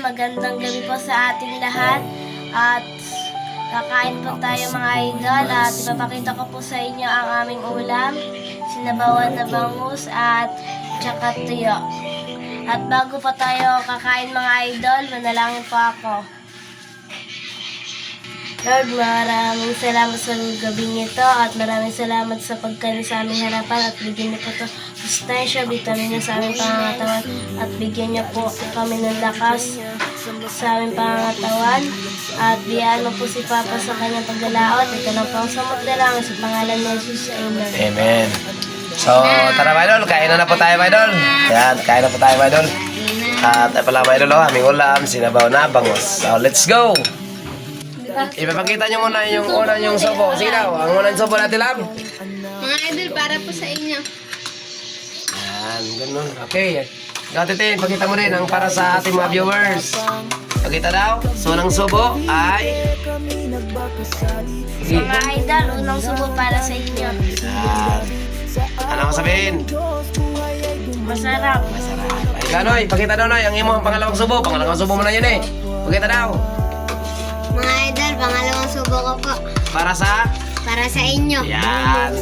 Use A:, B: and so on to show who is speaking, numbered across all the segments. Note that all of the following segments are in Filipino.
A: magandang gabi po sa ating lahat. At kakain po tayo mga idol at ipapakita ko po sa inyo ang aming ulam, sinabawan na bangus at tsaka tuyo. At bago pa tayo kakain mga idol, manalangin po ako. Lord, maraming salamat sa gabing ito at maraming salamat sa pagkain sa aming harapan at bigyan niyo po ito sustansya, vitamina sa aming pangangatawan at bigyan niyo po kami ng lakas sa aming pangangatawan at biyaan mo po si Papa sa kanyang paglalaot. Ito lang po ang samot na lang sa pangalan ni Jesus. Amen.
B: Amen. So, tara mga idol, kain na po tayo mga idol. Yan, kain na po tayo mga idol. At ay pala mga idol, aming ulam, sinabaw na bangus. So, let's go! Ipapakita nyo muna yung unang yung sobo. Sige daw, ang unang sobo natin lang.
C: Mga idol, para po sa inyo.
B: Yan, ganun. Okay. Gatitin, pakita mo rin ang para sa ating mga viewers. Pakita daw. So, unang sobo ay...
A: Mga idol, unang subo para sa inyo.
B: Yan. Ano ko sabihin?
A: Masarap.
B: Ay, ganoy, pakita daw Noy, ang imo ang pangalawang subo. Pangalawang subo mo na yun eh. Pakita daw.
C: Mga idol, pangalawang subo ko po.
B: Para sa...
C: Para sa inyo.
B: Yan.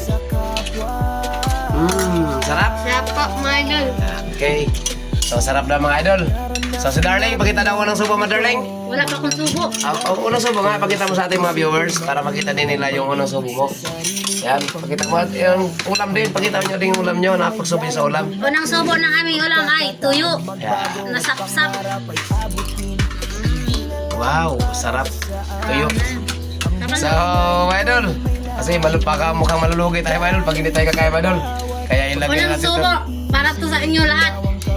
B: Sarap.
C: Sarap po, mga idol.
B: Okay. So, sarap na mga idol. So, si Darling, pakita daw unang subo mo, Darling.
C: Wala pa akong subo.
B: Unang subo nga, pakita mo sa ating mga viewers para makita din nila yung unang subo mo. Yan, pakita mo yung ulam din. Pakita nyo din yung ulam nyo na pagsubo sa ulam.
C: Unang subo ng aming ulam ay tuyo.
B: Yan.
C: Nasapsap.
B: Wow, sarap. Tuyo. So, mga idol, kasi mukhang malulugi tayo mga idol pag hindi tayo kakain mga idol. Kaya ilagay
C: Unang
B: natin
C: subo,
B: ito.
C: para to sa inyo lahat.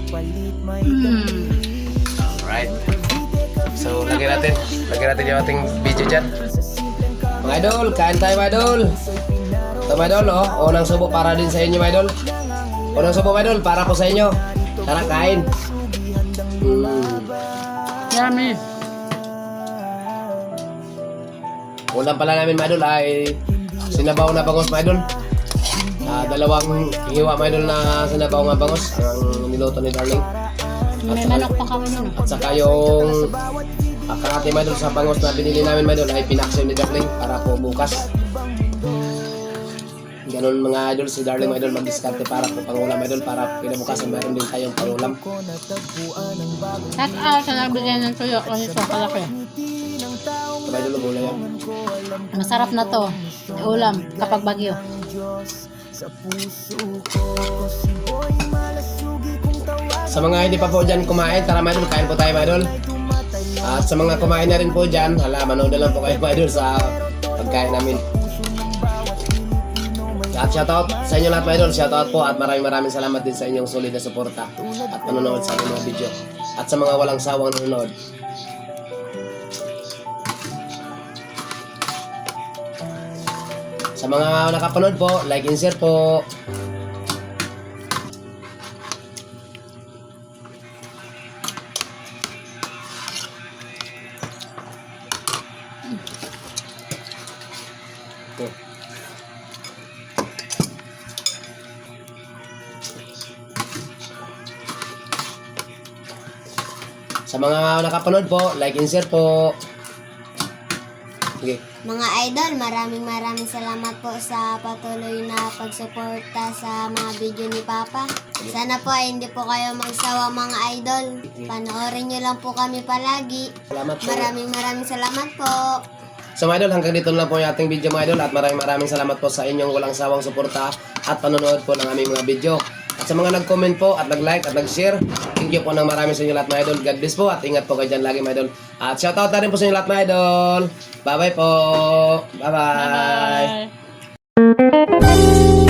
B: Alright. So, lagyan natin yung ating video dyan. Mga idol, kain tayo mga idol. Ito mga idol, oh. Unang subo para din sa inyo mga idol. Unang subo mga idol, para po sa inyo. Tara, kain.
C: Yummy.
B: Ulam pala namin mga idol ay sinabaw na bangus mga idol. Dalawang hiwa mga idol na sinabaw nga bangus ang niluto ni Darling.
C: May manok pa kami nun.
B: At saka yung kalahati mga idol sa bangus na binili namin mga idol ay pinaksim ni Darling para po bukas. Ganun mga idol, si Darling mga idol mag-discarte para po pangulam mga idol para kinabukasan meron din tayong pangulam.
C: Shout out sa nagbigay ng tuyo kasi sa kalaki.
B: Mga idol, gulay yan.
C: Masarap na to. Ulam kapag bagyo.
B: Sa mga hindi pa po dyan kumain, tara mga idol, kain po tayo mga idol. At sa mga kumain na rin po dyan, manood na lang po kayo mga idol sa pagkain namin. At shoutout sa inyo lahat mga idol, shoutout po at maraming salamat din sa inyong solid na suporta at panonood sa aking mga video. At sa mga walang sawang nanonood. Sa mga nakapanood po, like and share po. Ito. Sa mga nakapanood po, like and share po. Okay.
D: Mga idol, maraming salamat po sa patuloy na pagsuporta sa mga video ni Papa. Sana po ay hindi po kayo magsawa mga idol. Panoorin nyo lang po kami palagi.
B: Salamat po.
D: Maraming salamat po.
B: So mga idol, hanggang dito na lang po yung ating video mga idol at maraming salamat po sa inyong walang sawang suporta at panonood po ng aming mga video. At sa mga nag-comment po at nag-like at nag-share, thank you po ng marami sa inyo lahat mga idol. God bless po at ingat po kayo dyan lagi mga idol. At shoutout na rin po sa inyo lahat mga idol. Bye bye po. Bye bye.
C: Bye.